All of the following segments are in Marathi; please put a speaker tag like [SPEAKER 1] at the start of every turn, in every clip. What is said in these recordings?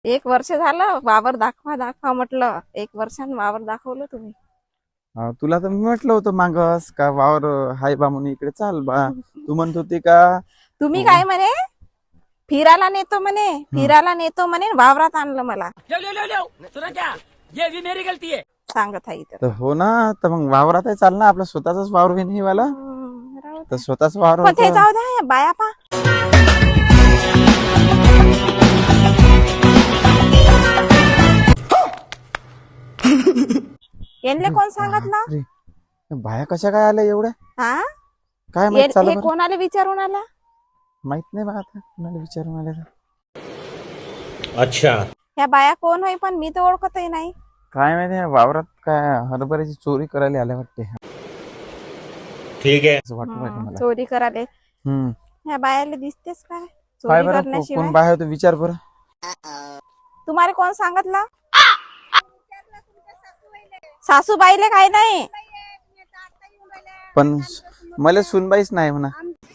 [SPEAKER 1] एक वर्ष झालं वावर दाखवा दाखवा म्हटलं. एक वर्षानं वावर दाखवलं तुम्ही.
[SPEAKER 2] तुला तर मी म्हटलं होतं मागस का वावर हाय बा म्हणून इकडे चाल बा. तू म्हणत होती का
[SPEAKER 1] तुम्ही काय म्हणे फिरायला नेतो म्हणे, फिरायला नेतो म्हणे, वावरात आणलं मला.
[SPEAKER 3] मेरी गलती है.
[SPEAKER 1] सांगत आहे इथं.
[SPEAKER 2] तर हो ना, तर मग वावरात आहे चाल ना, आपला स्वतःचाच वावर आहे नाही वाला.
[SPEAKER 1] राहू दे.
[SPEAKER 2] तर स्वतःच वावर
[SPEAKER 1] पण ते
[SPEAKER 2] होतं.
[SPEAKER 1] जाऊ द्या बाया पा. यांले कोण सांगितलं?
[SPEAKER 2] बापरे. बाया कशा काय आल्या एवढ्या?
[SPEAKER 1] हा
[SPEAKER 2] काय माहित
[SPEAKER 1] हे
[SPEAKER 2] चालू
[SPEAKER 1] कोणाला विचारून आला?
[SPEAKER 2] माहित नाही बा आता कोणाला विचारून आल्या तर.
[SPEAKER 3] अच्छा.
[SPEAKER 1] ह्या बाया कोण होय पण मी तर ओळखतही नाही.
[SPEAKER 2] काय माहिती या वावरात काय हरभऱ्याची चोरी करायला आल्या वाटते.
[SPEAKER 3] ठीक है.
[SPEAKER 2] असं वाटू राहिलं मला.
[SPEAKER 1] चोरी करायला
[SPEAKER 2] हम्म.
[SPEAKER 1] ह्या बायाला दिसतेच काय
[SPEAKER 2] काय
[SPEAKER 1] चोरी
[SPEAKER 2] बरं
[SPEAKER 1] करण्याशिवाय?
[SPEAKER 2] कोण बाया होतं विचार बरं.
[SPEAKER 1] तुम्हाला कोण सांगितलं? सासूबाईले काय नाही.
[SPEAKER 2] पण मला सुनबाईच नाही म्हणा.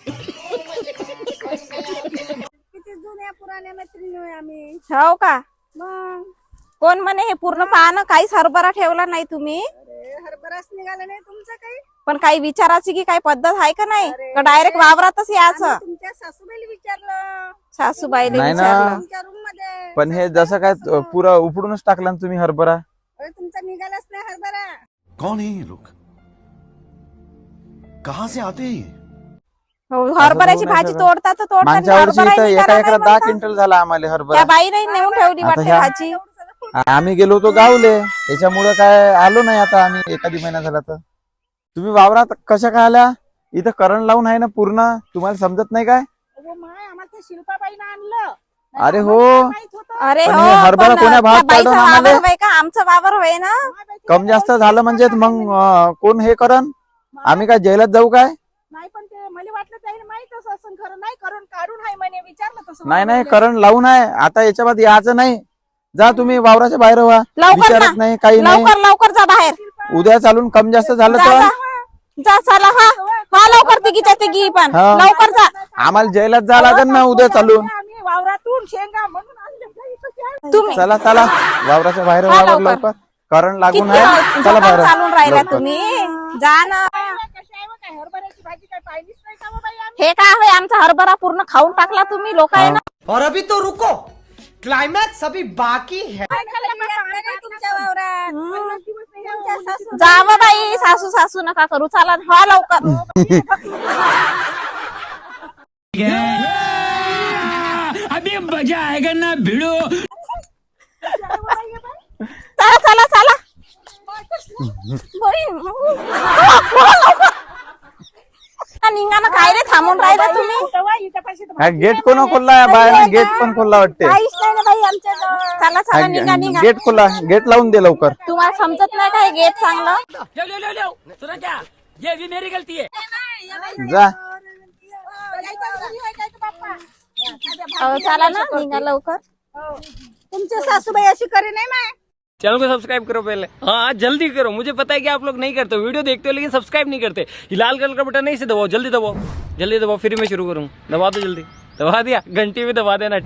[SPEAKER 1] हो का? कोण म्हणे हे पूर्ण पाहणं काहीच हरभरा ठेवला नाही तुम्ही.
[SPEAKER 4] हरभराच निघाला नाही तुमचं काही.
[SPEAKER 1] पण काही विचारायची की काही पद्धत आहे का नाही का डायरेक्ट वावरातच यायचं?
[SPEAKER 4] तुमच्या सासूबाईला विचारलं
[SPEAKER 1] सासूबाईले
[SPEAKER 2] नाही ना.
[SPEAKER 1] विचारलं.
[SPEAKER 4] तुमच्या रूम मध्ये.
[SPEAKER 2] पण हे जसं काय पुरा उपडूनच टाकला ना तुम्ही हरभरा.
[SPEAKER 4] अरे तुमचा निघालाच नाही हरभरा.
[SPEAKER 5] कौन है ये लोग? कहाँ से आते हैं ये?
[SPEAKER 1] हो, हरभऱ्याची
[SPEAKER 2] असं
[SPEAKER 1] भाजी
[SPEAKER 2] होऊ
[SPEAKER 1] तोडता तर तोडता
[SPEAKER 2] मागच्या वर्षी
[SPEAKER 1] हरभराही
[SPEAKER 2] इथं एका
[SPEAKER 1] निघाला
[SPEAKER 2] एकरात
[SPEAKER 1] नाही
[SPEAKER 2] 10
[SPEAKER 1] म्हणता.
[SPEAKER 2] क्विंटल झाला आम्हाला हरभरा.
[SPEAKER 1] त्या बाईने नेऊन ठेवली
[SPEAKER 2] आता
[SPEAKER 1] वाटते
[SPEAKER 2] ह्या-
[SPEAKER 1] भाजी.
[SPEAKER 2] आम्ही गेलो होतो गावले, त्याच्यामुळे काय आलो नाही आता आम्ही एखादी महिना झाला तर. तुम्ही वावरात कशा काय आल्या? इथं करंट लावून आहे ना पूर्ण, तुम्हाला समजत नाही काय?
[SPEAKER 4] अगो माय आम्हाला त्या शिल्पाबाईनं आणलं.
[SPEAKER 2] अरे हो,
[SPEAKER 4] माहित होतं.
[SPEAKER 1] अरे
[SPEAKER 2] पण
[SPEAKER 1] हो
[SPEAKER 2] हे हरभरा
[SPEAKER 1] पण
[SPEAKER 2] कोण्या भावात
[SPEAKER 1] त्या बाईचं
[SPEAKER 2] काढून आम्हाला?
[SPEAKER 1] वावर होय का आमचं वावर होय ना?
[SPEAKER 2] कम जास्त झालं म्हणजे मग कोण हे करन? आम्ही काय जेलात जाऊ काय?
[SPEAKER 4] नाही पण ते मला वाटलं त्याने माहितच असं खरं नाही करून काढून आहे म्हणे विचारलं तसं.
[SPEAKER 2] नाही नाही करंट लावून आहे. आता याच्या बाद यायचं नाही. जा तुम्ही वावराच्या बाहेर व्हा.
[SPEAKER 1] लवकर
[SPEAKER 2] विचारत
[SPEAKER 1] ना.
[SPEAKER 2] नाही काही नाही.
[SPEAKER 1] लवकर लवकर जा बाहेर.
[SPEAKER 2] उद्या चालून कम जास्त झालं
[SPEAKER 1] जा
[SPEAKER 2] तर
[SPEAKER 1] जा. जा चला हा हा लवकर तिघीच्या तिघी पण
[SPEAKER 2] हा.
[SPEAKER 1] लवकर जा.
[SPEAKER 2] आम्हाला जेलात जा लागेल ना उद्या चालून.
[SPEAKER 4] आम्ही वावरातून शेंगा म्हणून आणले काही इथं.
[SPEAKER 1] तुम्ही
[SPEAKER 2] चला चला वावराच्या बाहेर
[SPEAKER 1] हा,
[SPEAKER 2] व्हा
[SPEAKER 1] लवकर.
[SPEAKER 2] लवकर. करंट लागून
[SPEAKER 1] किती
[SPEAKER 2] आहे. चला
[SPEAKER 1] झोपात
[SPEAKER 2] बाहेर
[SPEAKER 1] चालून राहिला
[SPEAKER 2] लवकर.
[SPEAKER 1] तुम्ही. जा ना.
[SPEAKER 4] कशी आहे बा काय हरभऱ्याची भाजी काय पाहिलीच नाही का बा बाई आम्ही.
[SPEAKER 1] हे काय होय आमचा हरभरा पूर्ण खाऊन टाकला तुम्ही लोक आहे ना.
[SPEAKER 6] और अभी तो रुको, क्लाइमैक्स अभी बाकी है.
[SPEAKER 4] काय खाल्लं बा पाणी नाही तुमच्या वावरात. पन्नास दिवस नाही तुमच्या सासू.
[SPEAKER 1] जाव बाई सासू सासू नका करू चला व्हा लवकर.
[SPEAKER 3] अभी मजा आएगा ना भिड़ो.
[SPEAKER 1] चला चला चला. बाई, लवकर. निघा ना काय रे थांबून राहिला तुम्ही.
[SPEAKER 4] तेव्हा इथं पाशी तर
[SPEAKER 2] हा गेट कोण खोलला? बाहेर गेट पण खोलला वाटते.
[SPEAKER 4] काहीच नाही ना बाई आमच्याजवळ.
[SPEAKER 1] चला चला निघा निघा.
[SPEAKER 2] गेट खोला, गेट लावून दे लवकर.
[SPEAKER 1] तुम्हाला समजत नाही काय गेट चांगलं?
[SPEAKER 3] लो सुना क्या, ये भी मेरी गलती है.
[SPEAKER 2] जा
[SPEAKER 1] चला ना निघा लवकर.
[SPEAKER 4] तुमच्या सासूबाई अशी करे नाही माय.
[SPEAKER 3] चैनल को सब्सक्राइब करो पहले. हाँ जल्दी करो. मुझे पता है कि आप लोग नहीं करते हो, वीडियो देखते हो लेकिन सब्सक्राइब नहीं करते. ये लाल कलर का बटन नहीं से दबाओ, जल्दी दबाओ, जल्दी दबाओ. फिर मैं शुरू करूँ. दबा दो जल्दी. दबा दिया. घंटी भी दबा देना.